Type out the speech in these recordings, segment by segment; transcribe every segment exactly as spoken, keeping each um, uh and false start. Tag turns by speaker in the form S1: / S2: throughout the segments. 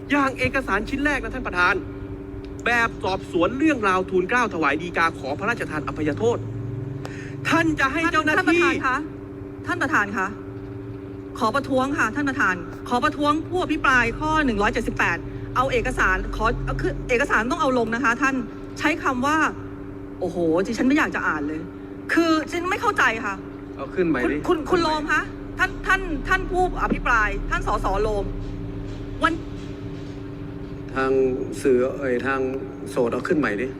S1: อย่างเอกสารชิ้นแรกนะท่านประธานแบบสอบสวนเรื่องราวทูลเกล้าถวายฎีกาขอพระราชทานอภัยโทษท่านจะให้เจ้าหน้าที่
S2: ท่านประธานคะท่านประธานคะขอประท้วงค่ะท่านประธานขอประท้วงผู้อภิปรายข้อหนึ่งร้อยเจ็ดสิบแปดเอาเอกสารขอคือเอกสารต้องเอาลงนะคะท่านใช้คำว่าโอ้โหดิฉันไม่อยากจะอ่านเลย คือฉันไม่เข้าใจค่ะ
S3: เอาขึ้นใหม่ดิ
S2: คุณคุณโลมคะท่านท่านท่านผู้อภิปรายท่านสสโลมวัน
S3: ทางสื่อเอ่ยทางโสดเอาขึ้นใหม่ดิ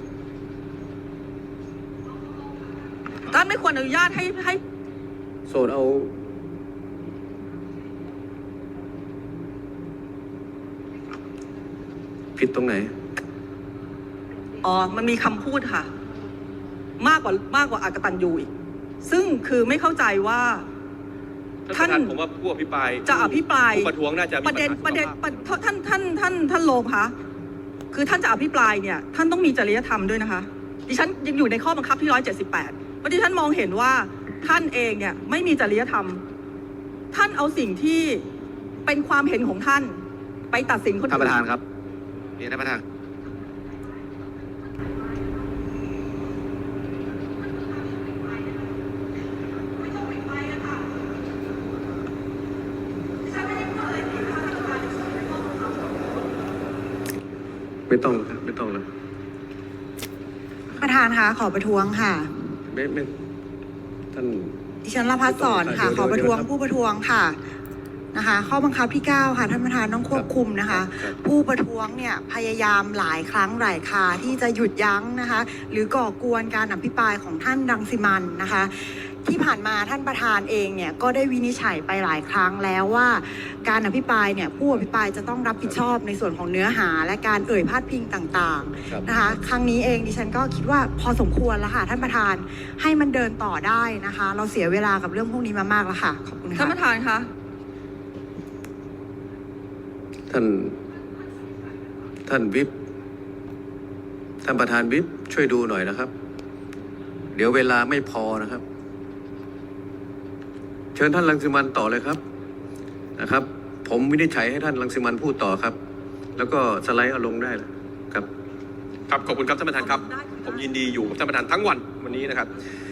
S2: ท่านไม่ควรอนุญาตให้ให้
S3: โสดเอาผิดตรงไหน
S2: อ๋อมันมีคำพูดค่ะมากกว่ามากกว่าอากตันยูอีกซึ่งคือไม่เข้าใจว่า
S1: ท่านผมว่าผู้อภิปราย
S2: จะอภิปราย
S1: ผู้ประท้วงน่าจะ
S2: ประเด็นประเด็นท่านท่านท่านท่านโลมคะคือท่านจะอภิปรายเนี่ยท่านต้องมีจริยธรรมด้วยนะคะดิฉันยังอยู่ในข้อบังคับที่ร้อยเจ็ดสิบแปดเพราะดิฉันมองเห็นว่าท่านเองเนี่ยไม่มีจริยธรรมท่านเอาสิ่งที่เป็นความเห็นของท่านไปตัดสินคนอื่น
S3: ท่านประธานครับเรียนท่านประธานไม่ต้องครับไม่ต้องแล้ว
S4: ประธานคะขอประท้วงค่ะ
S3: ไม่ไม่ท่าน
S4: ดิฉันรพัฒน์สอนค่ะขอประท้วงผู้ประท้วงค่ะนะคะข้อบังคับที่เก้าค่ะท่านประธานต้องควบคุมนะคะผู้ประท้วงเนี่ยพยายามหลายครั้งหลายคราที่จะหยุดยั้งนะคะหรือก่อกวนการอภิปรายของท่านรังสิมันต์นะคะที่ผ่านมาท่านประธานเองเนี่ยก็ได้วินิจฉัยไปหลายครั้งแล้วว่าการอภิปรายเนี่ยผู้อภิปรายจะต้องรับผิดชอบในส่วนของเนื้อหาและการเอ่ยพาดพิงต่างๆนะคะครั้งนี้เองดิฉันก็คิดว่าพอสมควรแล้วค่ะท่านประธานให้มันเดินต่อได้นะคะเราเสียเวลากับเรื่องพวกนี้มามากแล้วค่ะขอบคุณค่ะ
S2: ท่านประธานคะ
S3: ท่านท่านวิปท่านประธานวิปช่วยดูหน่อยนะครับเดี๋ยวเวลาไม่พอนะครับเชิญท่านรังสิมันต์ต่อเลยครับนะครับผมวินิจฉัยให้ท่านรังสิมันต์พูดต่อครับแล้วก็สไลด์เอาลงได้ครับ
S1: ครับขอบคุณครับท่านประธานครับผมยินดีอยู่กับท่านประธานทั้งวันวันนี้นะครับ